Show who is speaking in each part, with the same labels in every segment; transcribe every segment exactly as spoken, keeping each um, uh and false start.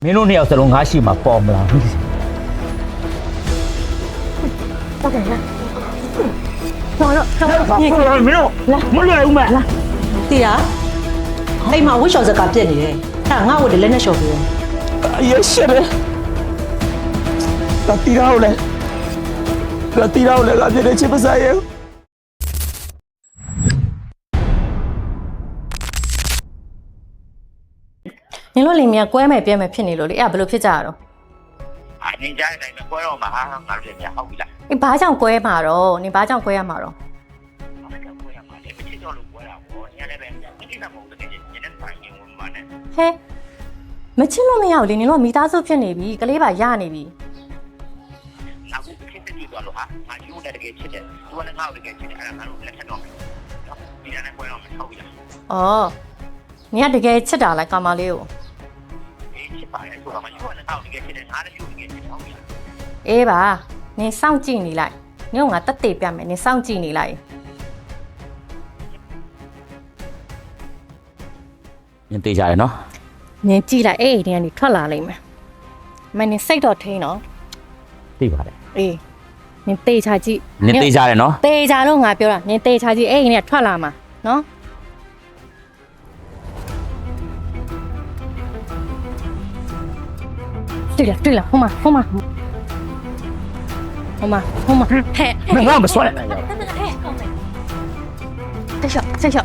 Speaker 1: မင်းတို့နှစ်ယောက်စလုံးငါရှိမှာပေါ်မလားဟုတ်
Speaker 2: ကဲ့လားတော်တော့တော်တော့မင်းတို့မလွယ်ဘူးမလား
Speaker 3: တီးရအိမ်မှာဝှက်လျှော်စကားပြက်နေတယ်အဲ့ငါ့ဝတ်တယ်လက်နဲ့လျှော်ပြီး
Speaker 4: အရေးရှတယ်ကတီရောလေကတီရောလေကပြည့်ချစ်ပစားရဲ့
Speaker 3: နင်တို့လင်မြကွဲမယ်ပြဲမယ်ဖြစ်နေလို့လေအဲ့ဘယ်လိုဖြစ်ကြရတော့
Speaker 5: အနင်ကြားတဲ့အတိုင်းကွဲတော့မှာဟာငါတို့လည်းဟုတ်ပြီလား
Speaker 3: အေးဘာကြောင့်ကွဲမှာတော့နင်ဘာကြောင့်ကွဲရမှာတော့
Speaker 5: ဘာကြောင့်ကွဲရမှာလဲမချစ်တော့လို့ကွဲတာပေါ့ညလည်းပဲမချစ်တာမဟုတ်တဲ့ညနဲ့ဆိုင်ရင်ဝင်မှာနဲ့
Speaker 3: ဟဲမချစ်လို့မရဘူးလေနင်တို့မိသားစုဖြစ်နေပြီကလေးပါရနေပြီ
Speaker 5: နောက်ခုချစ်တဲ့တူတော့လို့ဟာငါယူတဲ့တကယ်ချစ်တယ်သူကလည်းငါ့ကိုတကယ်ချစ်တယ်အဲ့ဒါငါတို့လက်ထက်တော့မယ်ဒီနဲ့ကွဲတော့မှာဟုတ်ပြီလား
Speaker 3: အော်နင်ကတကယ်ချစ်တာလားကာမလေးကို
Speaker 5: ချစ်ပါတယ်ဆိုတာမှယူရတဲ့အောက်တကယ်ချစ်တယ်ငါလည်းယူတကယ်ချစ်ဟုတ်ပြီလား
Speaker 3: အေးပါနင်စောင့်ကြည့်နေလိုက်နင်ကငါတက်တေပြမယ်နင်စောင့်ကြည့်နေလိုက်
Speaker 1: နင်တေးကြရနော်
Speaker 3: နင်ကြည့်လိုက်အဲ့ဒီကနေထွက်လာလိမ့်မယ်မနင်စိတ်တော့ထိန်းနော်
Speaker 1: သိပါတယ်
Speaker 3: အေးနင်တေးချကြည့်
Speaker 1: နင်တေးကြရနော်
Speaker 3: တေးချလို့ငါပြောတာနင်တေးချကြည့်အဲ့ဒီကနေထွက်လာမှာနော်对了对了，后妈后妈，后妈后妈，嘿，
Speaker 1: 没那么算了。
Speaker 3: 再小再小，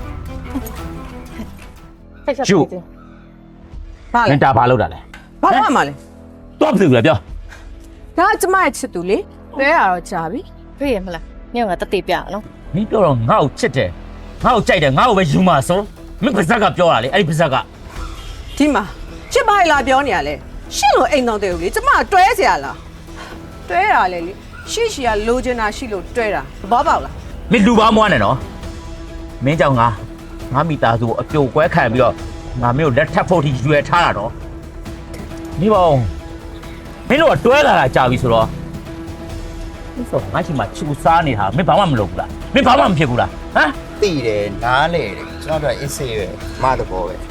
Speaker 3: 再小。
Speaker 1: 就，
Speaker 4: ဘာလဲ
Speaker 1: နင်တာဘာလုပ်တာလဲ
Speaker 4: ဘာလို့မှလဲ
Speaker 1: တော့ပြီလေပြော
Speaker 4: ဒါကကျမရဲ့ချစ်သူလေလဲရတော့ကြာပြီ
Speaker 3: တွေ့ရမလားနင်ကငါတက်တေပြနော်
Speaker 1: မင်းပြောတော့ငါ့ကိုချစ်တယ်ငါ့ကိုကြိုက်တယ်ငါ့ကိုပဲယူမှာဆိုမင်းပါဇက်ကပြောတာလေအဲ့ဒီပါဇက်က
Speaker 4: ဒီမှာချစ်ပါလားပြောနေရလဲရှင့်လို့အိမ်တော်တယ်လေကျမတွဲเสียလားတွဲတာလေလေရှိရှိကလိုချင်တာရှိလို့တွဲတာဘောပေါက်လား
Speaker 1: မင်းလူပါမွားနဲ့နော်မင်းကြောင့်ငါငါမိသားစုအပြိုကွဲခံပြီးတော့ငါမင်းကိုလက်ထပ်ဖို့ထိရွယ်ထားတာတော့နေပါဦးမင်းတို့ကတွဲလာတာကြာပြီဆိုတော့ဒီဆိုငါချီမှာချူစားနေတာမင်းဘာမှမလုပ်ဘူးလားမင်းဘာမှမဖြစ်ဘူးလားဟမ်
Speaker 5: သိတယ်နားလေတယ်ကျွန်တော်တို့အစ်စေးပဲမတဘောပဲ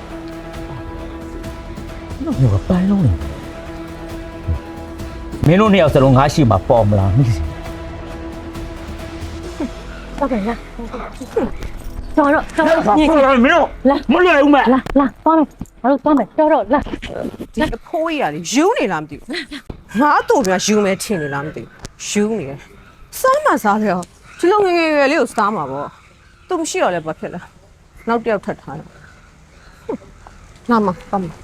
Speaker 1: နော်မျိုးကပန်းလုံးနေမင်းတို့နှစ်ယောက်စလုံးငါရှိမှာပေါ်မလားမသိ
Speaker 2: ဟုတ်ကဲ့လားတော်တော့တော်တော့
Speaker 1: မင်းတို့မလွယ်ဘူးမ
Speaker 2: လာလာသွားမယ်ဘာလို့သွားမယ်တော်တော့လာ
Speaker 4: ဒီအဖိုးကြီးကလေယူနေလားမသိဘူးငါတို့ကယူမယ်ထင်နေလားမသိဘူးယူနေတယ်စားမှစားတယ်ဒီလိုငယ်ငယ်ရွယ်လေးကိုစားမှာပေါ့သူမရှိတော့လဲဘာဖြစ်လဲနောက်တစ်ယောက်ထပ်ထားတယ်လာမပါမ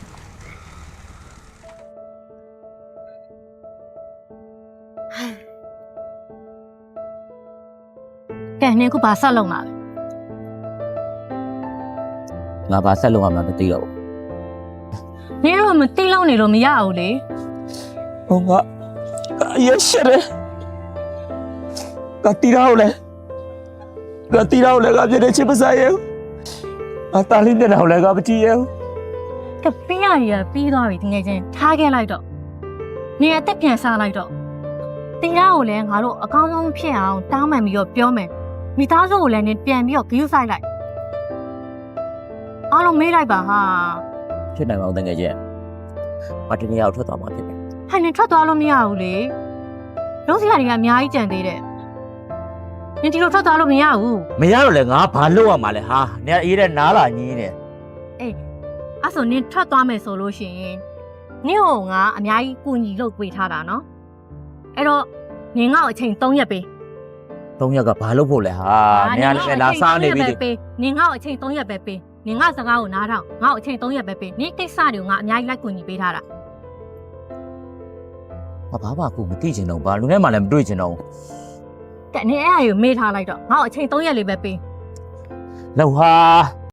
Speaker 3: ကဲနင်ခုဘာဆက်လုံးမှာ
Speaker 1: ငါဘာဆက်လုံးရမှာမသိတော့
Speaker 3: နင်တော့မသိလောက်နေလို့မရဘူးလေ
Speaker 4: ဟိုကအရေးရှတယ်ကတီရောလေကတီရောလေကပြည့်ချစ်ပစားရဲ့အတားလေးနဲ့တော့လည်းကမကြည့်ရဲ့
Speaker 3: ကပေးရရပြီးသွားပြီတကယ်ချင်းထားခဲ့လိုက်တော့နင်အသက်ပြန်စားလိုက်တော့တီရာကိုလည်းငါတို့အကောင်းဆုံးဖြစ်အောင်တောင်းပန်ပြီးတော့ပြောမယ်မိသားစုကိုလည်းနင်ပြန်ပြီးတော့ဂရုစိုက်လိုက်အားလုံးမေးလိုက်ပါဟာ
Speaker 1: ဖြစ်နိုင်အောင်တကယ်ချင်းမတကယ်ရောက်ထွက်သွားမှာဖြစ်တယ်
Speaker 3: ဟဲ့နင်ထွက်သွားလို့မရဘူးလေလုံးစရာတွေကအများကြီးကြံသေးတယ်နင်ဒီလိုထွက်သွားလို့မရဘူး
Speaker 1: မရတော့လေငါဘာလုပ်ရမှာလဲဟာနင်အေးတဲ့နားလာညင်းတယ်
Speaker 3: အေးအဲ့ဆိုနင်ထွက်သွားမယ်ဆိုလို့ရှိရင်နင့်ဟိုငါအများကြီးကူညီလုပ်ပေးထားတာနော်အဲ့တော့နင်ငါ့ကိုအချိန်၃ရက်ပေး
Speaker 1: ၃ရက်ကဘာလုပ်ဖို့လဲဟာနင်ကလည်းလာစားနေပြီ
Speaker 3: ပေးနင်ငါ့ကိုအချိန်၃ရက်ပဲပေးနင်ငါစကားကိုနားထောင်ငါ့ကိုအချိန်၃ရက်ပဲပေးနင်ကိစ္စတွေကိုငါအများကြီးလိုက်ကူညီပေးထားတာ
Speaker 1: ဘာဘာဘာကူမသိချင်တော့ဘာလူနဲ့မှလည်းမတွေ့ချင်တော့
Speaker 3: ကဲနင်အဲ့အရာကိုမေးထားလိုက်တော့ငါ့ကိုအချိန်၃ရက်လေးပဲပေး
Speaker 1: လောက်ဟာ